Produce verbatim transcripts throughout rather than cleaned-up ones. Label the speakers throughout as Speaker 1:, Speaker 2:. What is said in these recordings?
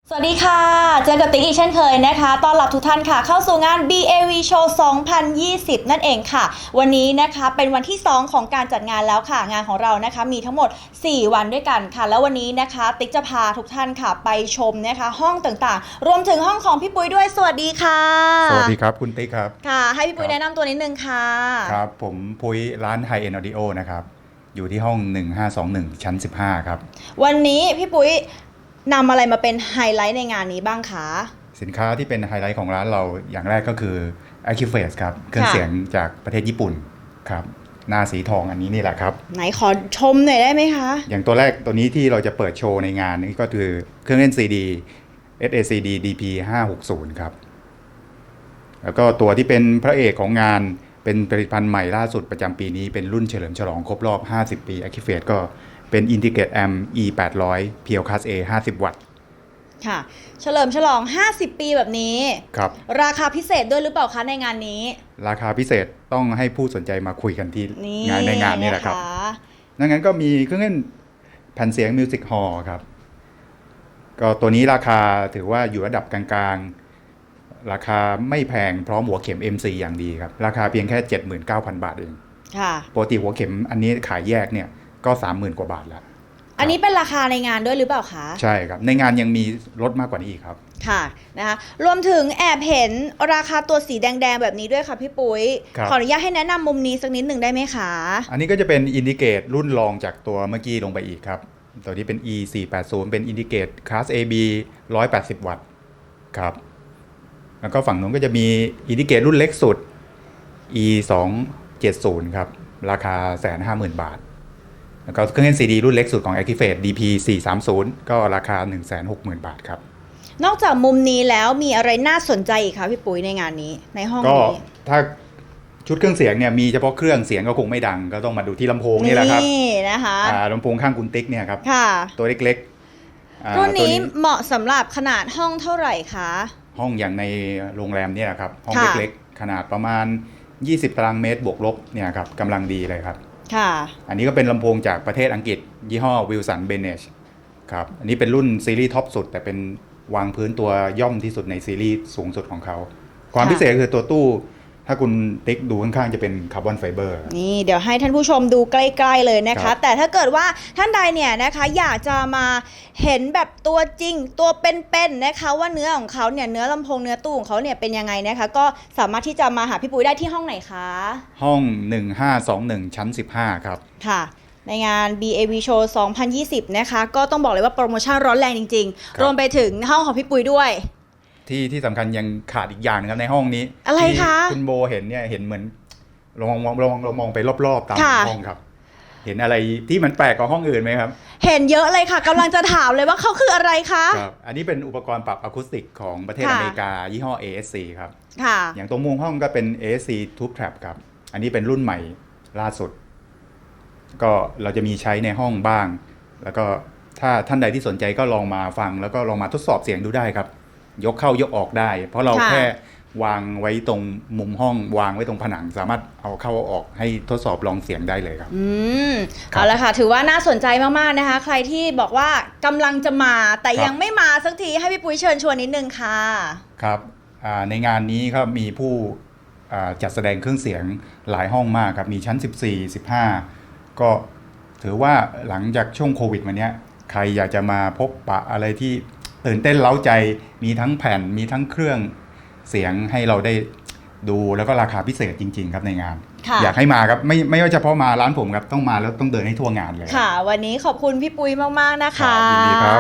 Speaker 1: สวัสดีค่ะเจอกับติ๊กอีกเช่นเคยนะคะต้อนรับทุกท่านค่ะเข้าสู่งาน บี เอ วี Show สองพันยี่สิบ นั่นเองค่ะวันนี้นะคะเป็นวันที่สองของการจัดงานแล้วค่ะงานของเรานะคะมีทั้งหมดสี่วันด้วยกันค่ะแล้ววันนี้นะคะติ๊กจะพาทุกท่านค่ะไปชมนะคะห้องต่างๆรวมถึงห้องของพี่ปุ้ยด้วยสวัสดีค่ะ
Speaker 2: สวัสดีครับคุณติ๊กครับ
Speaker 1: ค่ะให้พี่ปุ้ยแนะนำตัวนิดนึงค่ะ
Speaker 2: ครับผมปุ้ยร้าน High End Audio นะครับอยู่ที่ห้องหนึ่งห้าสองหนึ่งชั้นสิบห้าครับ
Speaker 1: วันนี้พี่ปุ้ยนำอะไรมาเป็นไฮไลท์ในงานนี้บ้างคะ
Speaker 2: สินค้าที่เป็นไฮไลท์ของร้านเราอย่างแรกก็คือ Acufase ครับเครื่องเสียงจากประเทศญี่ปุ่นครับหน้าสีทองอันนี้นี่แหละครับ
Speaker 1: ไหนขอชมหน่อยได้ไหมคะ
Speaker 2: อย่างตัวแรกตัวนี้ที่เราจะเปิดโชว์ในงานนี้ก็คือเครื่องเล่น ซี ดี เอส เอ ซี ดี ดี พี ห้าหกศูนย์ครับแล้วก็ตัวที่เป็นพระเอกของงานเป็นผลิตภัณฑ์ใหม่ล่าสุดประจำปีนี้เป็นรุ่นเฉลิมฉลองครบรอบห้าสิบปี Acufase ก็เป็น Integrate Amp อี แปดร้อย พี แอล Class A ห้าสิบ วัตต์
Speaker 1: ค่ะเฉลิมฉลองห้าสิบปีแบบนี้
Speaker 2: ครับ
Speaker 1: ราคาพิเศษด้วยหรือเปล่าคะในงานนี้
Speaker 2: ราคาพิเศษต้องให้ผู้สนใจมาคุยกันที่งานในงานนี่แหละครับดังนั้นก็มีเครื่องเล่นแผ่นเสียง Music Hall ครับก็ตัวนี้ราคาถือว่าอยู่ระดับกลางๆราคาไม่แพงพร้อมหัวเข็ม เอ็ม ซี อย่างดีครับราคาเพียงแค่ เจ็ดหมื่นเก้าพัน บาทเอง
Speaker 1: ค่ะ
Speaker 2: ปกติหัวเข็มอันนี้ขายแยกเนี่ยก็ สามหมื่น กว่าบาทแล้ว
Speaker 1: อันนี้เป็นราคาในงานด้วยหรือเปล่าคะ
Speaker 2: ใช่ครับในงานยังมีลดมากกว่านี้อีกครับ
Speaker 1: ค่ะนะคะรวมถึงแอบเห็นราคาตัวสีแดงๆแบบนี้ด้วยค่ะพี่ปุ้ยขออนุญาตให้แนะนำมุมนี้สักนิดหนึ่งได้ไหมคะ
Speaker 2: อันนี้ก็จะเป็นอินดิเกตรุ่นรองจากตัวเมื่อกี้ลงไปอีกครับตัวที่เป็น อี สี่แปดศูนย์ เป็นอินดิเกต Class เอ บี หนึ่งร้อยแปดสิบ วัตต์ครับแล้วก็ฝั่งนู้นก็จะมีอินดิเกตรุ่นเล็กสุด อี สองเจ็ดศูนย์ ครับราคา หนึ่งแสนห้าหมื่น บาทแล้วก็เครื่องเล่น ซี ดี รุ่นเล็กสุดของ Acufase ดี พี สี่สามศูนย์ ก็ราคา หนึ่งแสนหกหมื่น บาทครับ
Speaker 1: นอกจากมุมนี้แล้วมีอะไรน่าสนใจอีกคะพี่ปุ้ยในงานนี้ในห้องนี้
Speaker 2: ก็ถ้าชุดเครื่องเสียงเนี่ยมีเฉพาะเครื่องเสียงก็คงไม่ดังก็ต้องมาดูที่ลำโพงนี่แหละครับ
Speaker 1: นี่นะคะ
Speaker 2: ลำโพงข้างคุณติ๊กเนี่ยครับตัวเล็ก
Speaker 1: ๆรุ่นนี้เหมาะสำหรับขนาดห้องเท่าไหร่คะ
Speaker 2: ห้องอย่างในโรงแรมเนี่ยครับห้องเล็กๆขนาดประมาณยี่สิบตารางเมตรบวกลบเนี่ยครับกำลังดีเลยครับ
Speaker 1: ค่ะ
Speaker 2: อันนี้ก็เป็นลำโพงจากประเทศอังกฤษยี่ห้อ Wilson Beneš ครับอันนี้เป็นรุ่นซีรีส์ท็อปสุดแต่เป็นวางพื้นตัวย่อมที่สุดในซีรีส์สูงสุดของเขาความพิเศษคือตัวตู้ถ้าคุณติ๊กดูข้างๆจะเป็นคาร์บอนไฟเบอร์
Speaker 1: นี่เดี๋ยวให้ท่านผู้ชมดูใกล้ๆเลยนะคะแต่ถ้าเกิดว่าท่านใดเนี่ยนะคะอยากจะมาเห็นแบบตัวจริงตัวเป็นๆนะคะว่าเนื้อของเขาเนี่ยเนื้อลำโพงเนื้อตู้ของเขาเนี่ยเป็นยังไงนะคะก็สามารถที่จะมาหาพี่ปุ้ยได้ที่ห้องไหนคะ
Speaker 2: ห้องหนึ่งห้าสองหนึ่งชั้นสิบห้าครับ
Speaker 1: ค่ะในงาน บี เอ วี Show สองพันยี่สิบนะคะก็ต้องบอกเลยว่าโปรโมชั่นร้อนแรงจริงๆรวมไปถึงห้องของพี่ปุ้ยด้วย
Speaker 2: ที่ที่สำคัญยังขาดอีกอย่างนึงครับในห้องนี้
Speaker 1: อะไรคะ
Speaker 2: คุณโบเห็นเนี่ยเห็นเหมือนลองมองลองเรามองไปรอบๆตามห้องครับเห็นอะไรที่มันแปลกกว่าห้องอื่นไหมครับ
Speaker 1: เห็นเยอะเลยค่ะกำลังจะถามเลยว่าเขาคืออะไรคะ
Speaker 2: ครับอันนี้เป็นอุปกรณ์ปรับอะคูสติกของประเทศอเมริกายี่ห้อ เอ เอส ซี ครับ
Speaker 1: ค่ะ
Speaker 2: อย่างตรงมุมห้องก็เป็น เอ เอส ซี Tube Trap ครับอันนี้เป็นรุ่นใหม่ล่าสุดก็เราจะมีใช้ในห้องบ้างแล้วก็ถ้าท่านใดที่สนใจก็ลองมาฟังแล้วก็ลองมาทดสอบเสียงดูได้ครับยกเข้ายกออกได้เพราะเราแค่วางไว้ตรงมุมห้องวางไว้ตรงผนังสามารถเอาเข้าออกให้ทดสอบลองเสียงได้เลยครับ
Speaker 1: อืมเอาละค่ะถือว่าน่าสนใจมากๆนะคะใครที่บอกว่ากำลังจะมาแต่ยังไม่มาสักทีให้พี่ปุ้ยเชิญชวนนิดนึงค่ะ
Speaker 2: ครับในงานนี้ครับมีผู้จัดแสดงเครื่องเสียงหลายห้องมากครับมีชั้นสิบสี่ สิบห้าก็ถือว่าหลังจากช่วงโควิดมาเนี้ยใครอยากจะมาพบปะอะไรที่ตื่นเต้นเร้าใจมีทั้งแผ่นมีทั้งเครื่องเสียงให้เราได้ดูแล้วก็ราคาพิเศษจริงๆครับในงานอยากให้มาครับไม่ไม่ว่าเฉพาะมาร้านผมครับต้องมาแล้วต้องเดินให้ทั่วงานเลย
Speaker 1: ค่ะวันนี้ขอบคุณพี่ปุ้ยมากๆนะคะ
Speaker 2: ยินดีครับ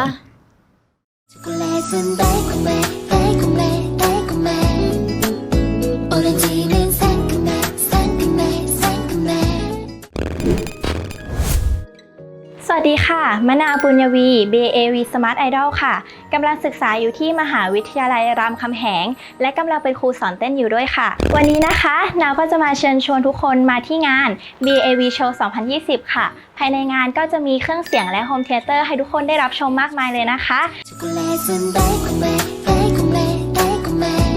Speaker 3: สวัสดีค่ะมะนาวปุญญวี บี เอ วี Smart Idol ค่ะกำลังศึกษาอยู่ที่มหาวิทยาลัยรามคำแหงและกำลังเป็นครูสอนเต้นอยู่ด้วยค่ะวันนี้นะคะนาวก็จะมาเชิญชวนทุกคนมาที่งาน บี เอ วี Show สองพันยี่สิบ ค่ะภายในงานก็จะมีเครื่องเสียงและโฮมเธียเตอร์ให้ทุกคนได้รับชมมากมายเลยนะคะ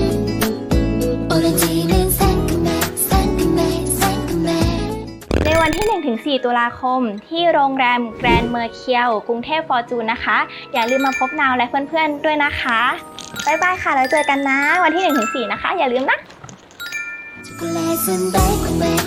Speaker 3: ในวันที่ หนึ่งถึงสี่ ตุลาคมที่โรงแรมแกรนด์เมอร์เคียวกรุงเทพฟอร์จูนนะคะอย่าลืมมาพบนาวและเพื่อนๆด้วยนะคะบ๊ายบายค่ะแล้วเจอกันนะวันที่ หนึ่งถึงสี่ นะคะอย่าลืมนะ
Speaker 4: 초콜릿은 달콤해